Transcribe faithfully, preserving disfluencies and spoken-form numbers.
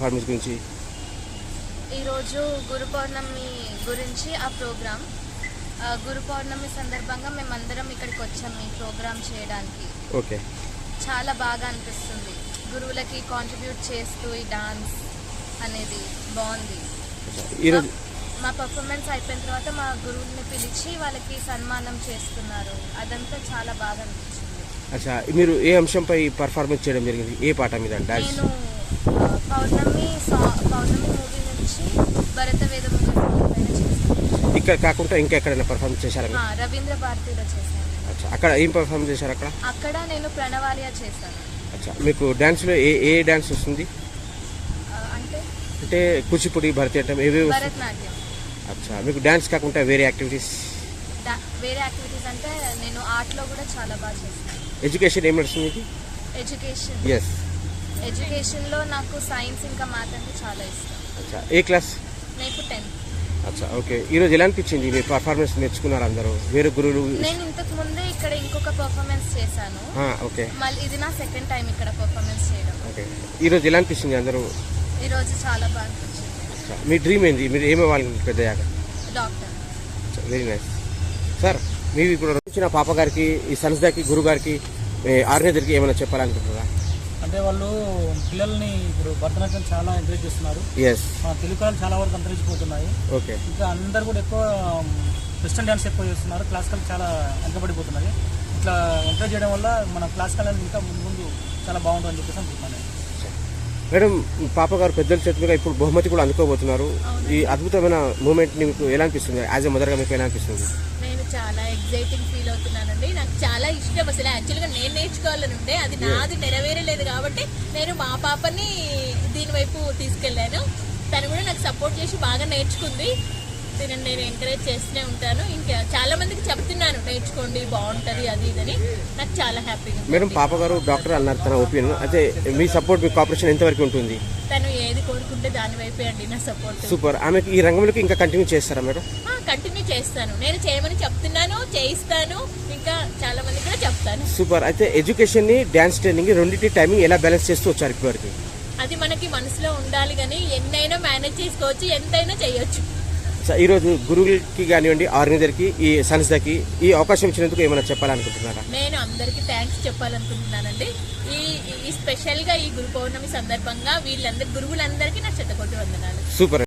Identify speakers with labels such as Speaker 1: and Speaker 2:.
Speaker 1: Performance గురించి?
Speaker 2: ఈరోజు గురు పౌర్ణమి గురించి ఆ ప్రోగ్రామ్. గురు పౌర్ణమి సందర్భంగా మేమందరం ఇక్కడికి వచ్చాం ఈ ప్రోగ్రామ్ చేయడానికి.
Speaker 1: ఓకే,
Speaker 2: చాలా బాగా అనిపిస్తుంది. గురువులకి కాంట్రిబ్యూట్ చేస్తూ ఈ డాన్స్ అనేది బాగుంది.
Speaker 1: ఈరోజు
Speaker 2: మా పర్ఫార్మెన్స్ అయిపోయిన తర్వాత మా గురువుని పిలిచి వాళ్ళకి సన్మానం చేస్తున్నారు. అదంతా చాలా బాగా అనిపించింది.
Speaker 1: అచ్చా, మీరు ఏ అంశంపై పర్ఫార్మెన్స్ చేయడం జరిగింది? ఏ పాట మీద డాన్స్?
Speaker 2: నేను పౌర్ణమి పౌర్ణమి మూవీ నుంచి భరత వేద పైన చేశాను.
Speaker 1: ఇక్కడ కాకుండా ఇంకా ఎక్కడైనా పర్ఫార్మెన్స్ చేశారా?
Speaker 2: రవీంద్ర భారతిలో చేశాను.
Speaker 1: అచ్చా, అక్కడ ఏం పర్ఫార్మెన్స్ చేశారు? అక్కడ
Speaker 2: అక్కడ నేను ప్రణవాలియా చేశాను.
Speaker 1: అచ్చా, మీకు డాన్స్లో ఏ ఏ డాన్స్ వస్తుంది?
Speaker 2: అంటే
Speaker 1: అంటే కూచిపూడి, భరతనాట్యం ఏవేవి?
Speaker 2: భరతనాట్యం.
Speaker 1: అచ్చా, మీకు డాన్స్ కాకుండా వేరే యాక్టివిటీస్?
Speaker 2: వేరే యాక్టివిటీస్ అంటే నేను ఆర్ట్లో కూడా చాలా బాగా చేస్తాను.
Speaker 1: ఎడ్యుకేషన్ ఏం నడుస్తుంది?
Speaker 2: ఎడ్యుకేషన్
Speaker 1: ఎస్,
Speaker 2: ఎడ్యుకేషన్లో నాకు సైన్స్ ఇంకా మ్యాథ్ అంటే చాలా ఇష్టం.
Speaker 1: అచ్చా, ఏ క్లాస్?
Speaker 2: నాకు టెన్త్.
Speaker 1: అచ్చా, ఓకే. ఈరోజు ఎలా అనిపించింది? మీ పర్ఫార్మెన్స్ నేర్చుకున్నారు అందరూ? వేరే గురువులు?
Speaker 2: నేను ఇంతకు ముందే ఇక్కడ ఇంకొక పర్ఫార్మెన్స్ చేశాను.
Speaker 1: ఓకే,
Speaker 2: మళ్ళీ ఇది నా సెకండ్ టైం ఇక్కడ పర్ఫార్మెన్స్ చేయడం.
Speaker 1: ఓకే. ఈరోజు ఎలా అనిపించింది అందరూ?
Speaker 2: ఈరోజు చాలా బాగా అనిపించింది.
Speaker 1: అచ్చా, మీ డ్రీమ్ ఏంది? మీరు ఏమవ్వాలి పెద్దయ్యాక?
Speaker 2: డాక్టర్.
Speaker 1: Very nice sir. మీరు ఇప్పుడు వచ్చిన పాప గారికి, ఈ సంస్థకి, గురువు గారికి, ఆర్గనైజర్కి ఏమైనా చెప్పాలనుకుంటున్నారా?
Speaker 3: అంటే వాళ్ళు పిల్లల్ని ఇప్పుడు భరతనాట్యం చాలా ఎంకరేజ్ చేస్తున్నారు.
Speaker 1: ఎస్,
Speaker 3: మన తెలుగు కళలు చాలా వరకు అంతరించిపోతున్నాయి.
Speaker 1: ఓకే.
Speaker 3: ఇంకా అందరు కూడా ఎక్కువ వెస్టర్న్ డ్యాన్స్ ఎక్కువ చేస్తున్నారు. క్లాసికల్ చాలా వెనకబడిపోతున్నాయి. ఇట్లా ఎంకరేజ్ చేయడం వల్ల మన క్లాసికల్ ఇంకా ముందు ముందు చాలా బాగుంటుందని చెప్పేసి అనుకుంటున్నాను.
Speaker 1: మేడం, పాప గారు పెద్దల చేతి మీద ఇప్పుడు బహుమతి కూడా అందుకోబోతున్నారు. ఈ అద్భుతమైన మూమెంట్ని మీకు ఎలా అనిపిస్తుంది? యాజ్ ఎ మదర్గా మీకు ఎలా అనిపిస్తుంది?
Speaker 4: నేను చాలా ఎగ్జైటింగ్ ఫీల్ అవుతున్నానండి. నాకు చాలా ఇష్టం. అసలు యాక్చువల్గా నేను నేర్చుకోవాలని ఉండే, అది నాది నెరవేరలేదు కాబట్టి నేను మా పాపని దీని వైపు తీసుకెళ్ళాను. తను కూడా నాకు సపోర్ట్ చేసి బాగా నేర్చుకుంది. దీన్ని నేను ఎంకరేజ్ చేస్తూనే ఉంటాను. ఇంకా చాలా మందికి చెప్తున్నాను నేర్చుకోండి, బాగుంటుంది అది ఇదని. నాకు చాలా హ్యాపీగా.
Speaker 1: మేడం, పాప గారు డాక్టర్ అన్నారు తన ఒపీనియన్. అయితే మీ సపోర్ట్, మీ కోఆపరేషన్ ఎంతవరకు ఉంటుంది?
Speaker 4: తను ఏది కోరుకుంటే దాని వైపే అండి నా సపోర్ట్.
Speaker 1: సూపర్. ఆమెకి ఈ రంగంలోకి ఇంకా కంటిన్యూ చేస్తారా మేడం?
Speaker 4: కంటిన్యూ చేస్తాను. నేను చేయమని చెప్తున్నాను, చేయిస్తాను. ఇంకా చాలా మంది కూడా చెప్తాను.
Speaker 1: సూపర్. అయితే ఎడ్యుకేషన్ ని, డాన్స్ ట్రైనింగ్ రెండింటి టైమింగ్ ఎలా బ్యాలెన్స్ చేస్తూ వచ్చారు ఇప్పటివరకు?
Speaker 4: అది మనకి మనసులో ఉండాలి, కానీ ఎన్నైనా మేనేజ్ చేసుకోవచ్చు, ఎంతైనా చేయొచ్చు.
Speaker 1: ఈరోజు గురువులకి కానివ్వండి, ఆర్గనైజర్కి, ఈ సంస్థకి ఈ అవకాశం ఇచ్చినందుకు ఏమైనా చెప్పాలనుకుంటున్నారా?
Speaker 4: నేను అందరికీ థ్యాంక్స్ చెప్పాలనుకుంటున్నానండి. ఈ ఈ స్పెషల్గా ఈ గురు పౌర్ణమి సందర్భంగా వీళ్ళందరి గురువులందరికీ నా శతకోటి వందనాలు.
Speaker 1: సూపర్.